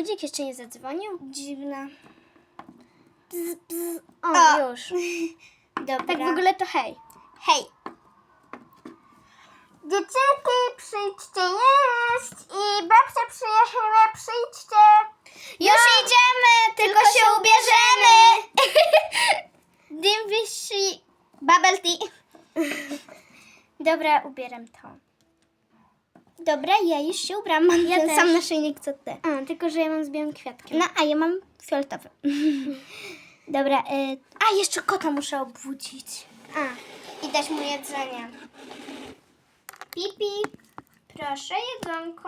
budzik jeszcze nie zadzwonił? Dziwne. Bzz, bzz. O, już. Dobra. Tak w ogóle to hej. Hej. Dziewczynki, przyjdźcie jeść. I babcia przyjechała, przyjdźcie. Już idziemy, tylko się ubierzemy. Dim wisi. Bubble tea. Dobra, ubieram to. Dobra, ja już się ubram. Mam Ja ten też. sam naszyjnik co ty. A, tylko że ja mam z białym kwiatkiem. No, a ja mam fioletowy. Dobra, a jeszcze kota muszę obudzić. A, I dać mu jedzenie. Pipi, proszę jedzonko.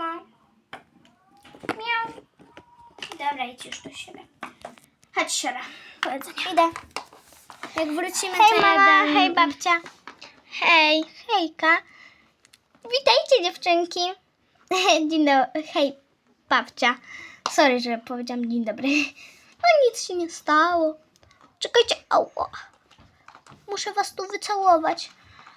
Miau. Dobra, idź już do siebie. Chodź, siora, po jedzenie. Idę. jak wrócimy, Hej to mama, ja dam... hej babcia. Hej, hejka. Witajcie dziewczynki. Dzień dobry, hej babcia. Sorry, że powiedziałam dzień dobry. No nic się nie stało. Czekajcie, ała. Muszę was tu wycałować.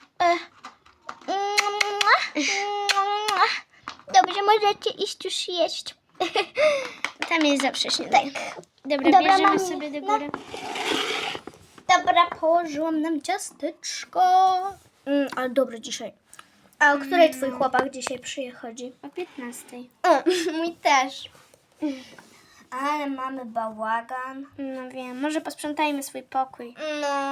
Dobrze, możecie iść już jeść. Tam jest zawsze śniadanie. Dobra, Dobra, bierzemy mami, sobie do no. góry. Dobra, położyłam nam ciasteczko. Ale dobre dzisiaj. A o której twój chłopak dzisiaj przychodzi? O 15:00. O, mój też. Ale mamy bałagan. No wiem, może posprzątajmy swój pokój. No.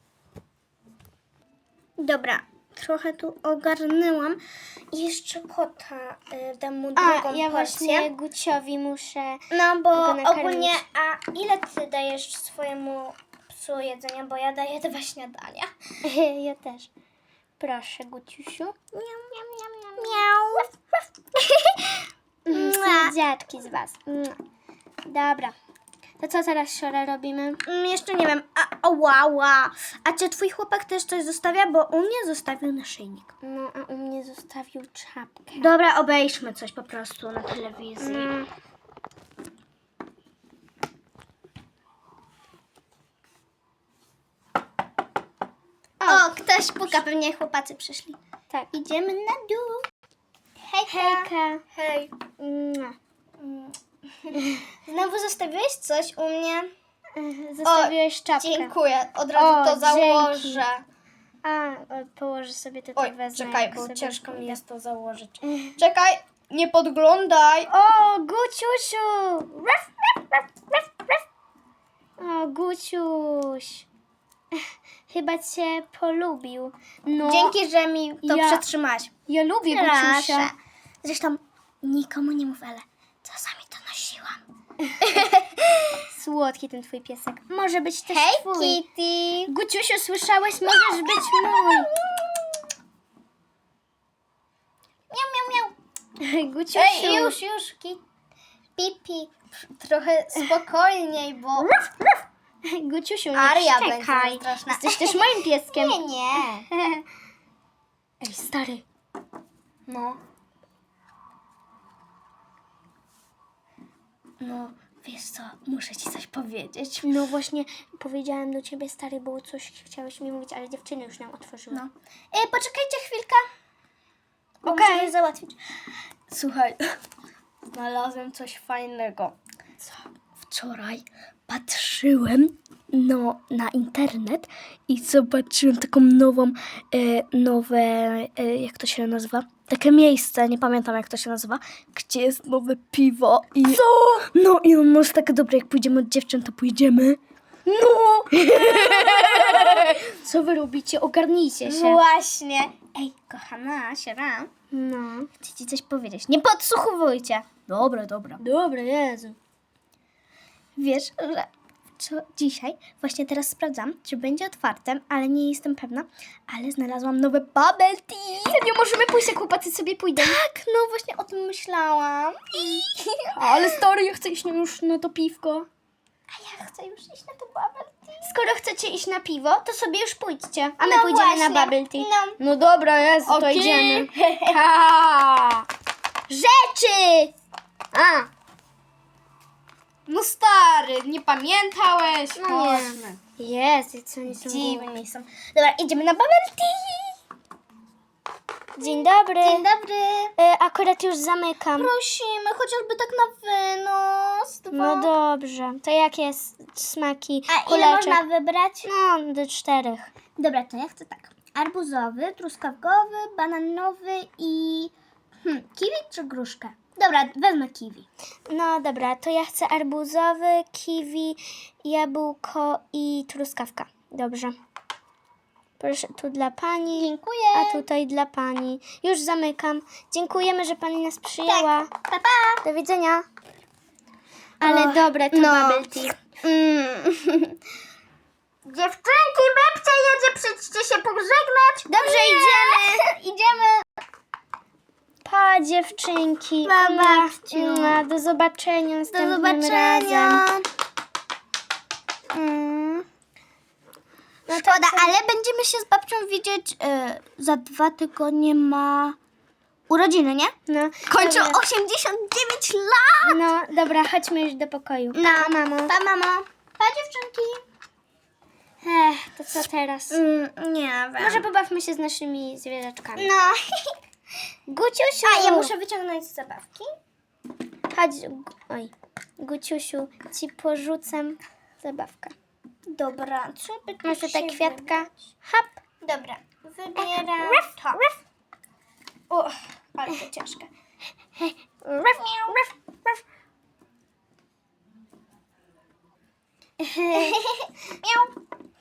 Dobra, trochę tu ogarnęłam. I jeszcze kota dam mu drugą A, porcję. ja właśnie Guciowi muszę... No bo go nakarmić. ogólnie, a ile ty dajesz swojemu psu jedzenia? Bo ja daję 2 śniadania. Ja też. Proszę, Guciusiu. Miau, miau, miau, miau. Miau. Słodziaczki z was. Dobra. To co teraz, siora, robimy? Jeszcze nie wiem. Ała. A czy twój chłopak też coś zostawia? Bo u mnie zostawił naszyjnik. No, a u mnie zostawił czapkę. Dobra, obejrzmy coś po prostu na telewizji. O, ktoś puka, pewnie chłopacy przyszli. Tak. Idziemy na dół. Hejka. Hej. Znowu zostawiłeś coś u mnie? Zostawiłeś czapkę. Dziękuję, od O, razu to dzięki. założę. A, położę sobie tutaj, Oj, wezmę. czekaj, jak bo sobie ciężko mi pójdę. jest to założyć. Czekaj, nie podglądaj. O, Guciusiu! Raf, raf, raf, raf, raf. O, Guciuś. Chyba cię polubił. No, Dzięki, że mi to Ja- przetrzymałaś. ja lubię Proszę. Guciusia. Zresztą nikomu nie mów, ale czasami to nosiłam. Słodki ten twój piesek. Może być też Hej, twój. Kitty. Guciusiu, słyszałeś? Możesz być mój. Miau, miau, miau. Guciusiu. Ej, już, Pipi, trochę spokojniej, bo... Guciusiu, nie Aria będzie szczekaj. straszna. Jesteś też moim pieskiem. Nie. Ej, stary. No. No, wiesz co, muszę ci coś powiedzieć. No właśnie, powiedziałem do ciebie, stary, było coś, chciałeś mi mówić, ale dziewczyny już nam otworzyły. No. Poczekajcie chwilkę. Bo Okej. muszę coś załatwić. Słuchaj, znalazłem coś fajnego. Co? Wczoraj patrzyłem na internet i zobaczyłem taką nowe, jak to się nazywa? Takie miejsce, nie pamiętam jak to się nazywa, gdzie jest nowe piwo i... Co? No i on może takie dobre, jak pójdziemy od dziewczyn, to pójdziemy. No! Co wy robicie? Ogarnijcie się. Właśnie. Ej, kochana siera, No. chcę ci coś powiedzieć. Nie podsłuchujcie. Dobra. Dobra, Jezu. Wiesz, że dzisiaj, właśnie teraz sprawdzam, czy będzie otwarte, ale nie jestem pewna, ale znalazłam nowe bubble tea. Nie możemy pójść, jak chłopacy sobie pójdą. Tak, no właśnie o tym myślałam. Ale stary, ja chcę iść już na to piwko. A ja chcę już iść na to bubble tea. Skoro chcecie iść na piwo, to sobie już pójdźcie. A my No pójdziemy właśnie. na bubble tea. No. No dobra, Jezu, to Okej. idziemy. Ha! Rzeczy! A, No stary, nie pamiętałeś? no nie. Jest, co oni są Dziwni są. Dobra, idziemy na bubble tea. Dzień dobry. Dzień dobry. Akurat już zamykam. Prosimy, chociażby tak na wynos. No dobrze. To jakie smaki? A ile Kuleczek? można wybrać? No, do 4. Dobra, to ja chcę tak. Arbuzowy, truskawkowy, bananowy i... kiwi czy gruszkę? Dobra, wezmę kiwi. No dobra, to ja chcę arbuzowy, kiwi, jabłko i truskawka. Dobrze. Proszę, tu dla pani. Dziękuję. A tutaj dla pani. Już zamykam. Dziękujemy, że pani nas przyjęła. Pa, pa. Do widzenia. Ale dobre to bubble tea. Dziewczynki, babcia jedzie, przyjdźcie się pożegnać. Dobrze, idziemy. Idziemy. Pa, dziewczynki. Pa, babciu. Do zobaczenia Do następnym zobaczenia. razem. No szkoda, ale będziemy się z babcią widzieć za 2 tygodnie ma urodziny, nie? No, Kończą dobra. 89 lat! No, dobra, chodźmy już do pokoju. No, Pa, mamo. Pa, mamo. Pa, dziewczynki. To co teraz? Nie wiem. Może pobawmy się z naszymi zwierzaczkami. No. Guciusiu! A, ja muszę wyciągnąć z zabawki. Chodź, oj. Guciusiu, ci porzucam zabawkę. Dobra, co by tu Masz tutaj się kwiatka? wybrać? Hop. Dobra, wybieram to. Uch, ale to ciężkie. Ruff, ruff, ruff. Miau.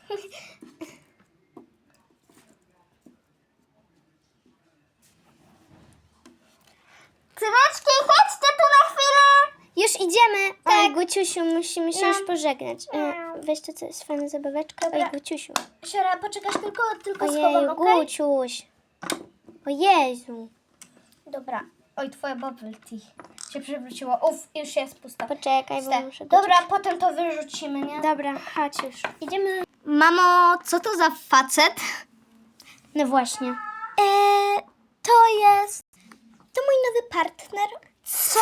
Córeczki, chodźcie tu na chwilę. Już idziemy. Tak. Oj, Guciusiu, musimy się No. już pożegnać. Weź to, co jest fajna zabaweczka. Dobra. Oj, Guciusiu. Siora, poczekasz tylko Ojej, schowam, okej? Guciuś. O Jezu. Dobra. Oj, twoje bubble tea się przewróciło. Uff, już jest pusta. Poczekaj, bo Puste. muszę Dobra, potem to wyrzucimy, nie? Dobra, chodź już. Idziemy. Mamo, co to za facet? No właśnie. To jest... To mój nowy partner. Co?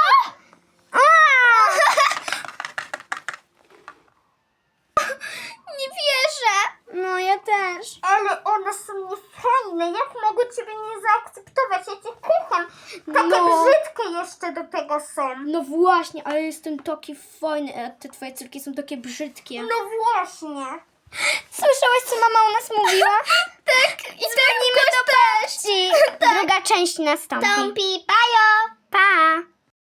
Nie wierzę. No, ja też. Ale one są niefajne. Jak mogę ciebie nie zaakceptować? Ja cię kocham. Takie No. brzydkie jeszcze do tego są. No właśnie, ale jestem taki fajny, a te twoje córki są takie brzydkie. No właśnie. Słyszałaś, co mama u nas mówiła? Tak. I Dzwonimy do babci. Druga część nastąpi. Tąpi, pajo. Pa!